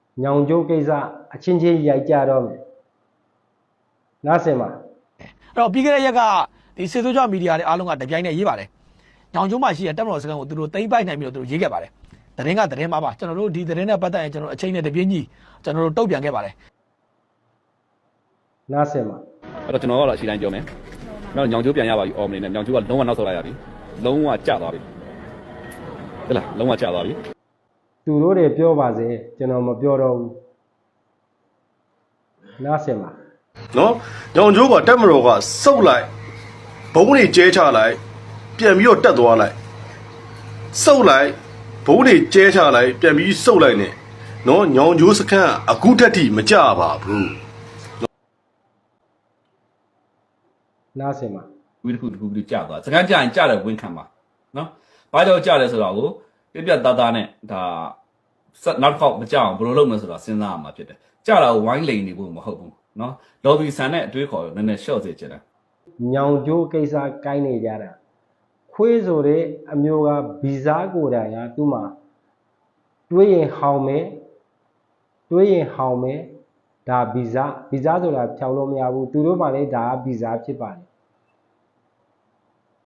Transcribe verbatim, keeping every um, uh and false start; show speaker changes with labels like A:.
A: ညောင်ကျိုးကိစ္စအချင်းချင်းရိုက်ကြတော့မယ်နားဆင်ပါ
B: အဲ့တော့ပြီးခဲ့တဲ့ရက်ကဒီစေစိုးကြမီဒီယာတွေအားလုံးကတပြိုင်တည်းရေးပါတယ်ညောင်ကျိုးမှာရှိတဲ့တပ်မတော်စခန်းကိုသူတို့သိမ်းပိုက်နိုင်ပြီးတော့သူတို့ရေးခဲ့ပါတယ်သတင်းကသတင်းမှာပါကျွန်တော်တို့ဒီသတင်းနဲ့ပတ်သက်ရင်ကျွန်တော်အချိန်နဲ့တပြင်းကြီးကျွန်တော်တို့တုတ်ပြန်ခဲ့ပါတယ်
A: နားဆင်ပါ
C: အဲ့တော့ကျွန်တော်ကတော့အရှိတိုင်းပြောမယ်နောက်ညောင်ကျိုးပြန်ရပါပြီအော်မနေနဲ့ညောင်ကျိုးကလုံးဝနောက်ဆုတ်လိုက်ရပြီလုံးဝကျသွားပြီဟဲ့လားလုံးဝကျသွားပြီ
A: သူတို့တွေပြောပါစေကျွန်တော်မပြောတော့ဘူးနားဆင်ပါ
D: နော်ညောင်ကျိုးကတက်မတော်ကစုပ်လိုက်ဘုံတွေကျဲချလိုက်ပြန်ပြီးတော့တက်သွားလိုက်စုပ်လိုက်ဘုံတွေကျဲချလိုက်ပြန်ပြီးစုပ်လိုက်နေနော်ညောင်ကျိုးစခန်းအခုတက်ထိမကြပါဘူး
A: နားဆင်ပါ
C: ဝီတစ်ခုတစ်ခုပြီးကျသွားစကန်ကြရင်ကျတယ်ဝင်ခံပါနော်ဘာကြောင့်ကျလဲဆိုတော့ကိုပြပြသားသားနဲ့ဒါနောက်တစ်ခေါက်မကြအောင်ဘယ်လိုလုပ်မလဲဆိုတော့စဉ်းစားရမှာဖြစ်တယ်ကျတာကိုဝိုင်းလိန်နေဖို့မဟုတ်ဘူးနော်လော်ဘီဆန်နဲ့အတွေးခေါ်နည်းနည်းရှော့စေချင်တယ်
A: ညောင်ကျိုးကိစ္စကိုင်းနေကြတာခွေးဆိုတဲ့အမျိုးကဗီဇာကိုယ်တိုင်ကသူ့မှာတွေးရင်ဟောင်းမယ်တွေးရင်ဟောင်းမယ်ဒါဗီဇာဗီဇာဆိုတာဖြောင်းလို့မရဘူးသူတို့မှလည်းဒါကဗီဇာဖြစ်ပါတယ်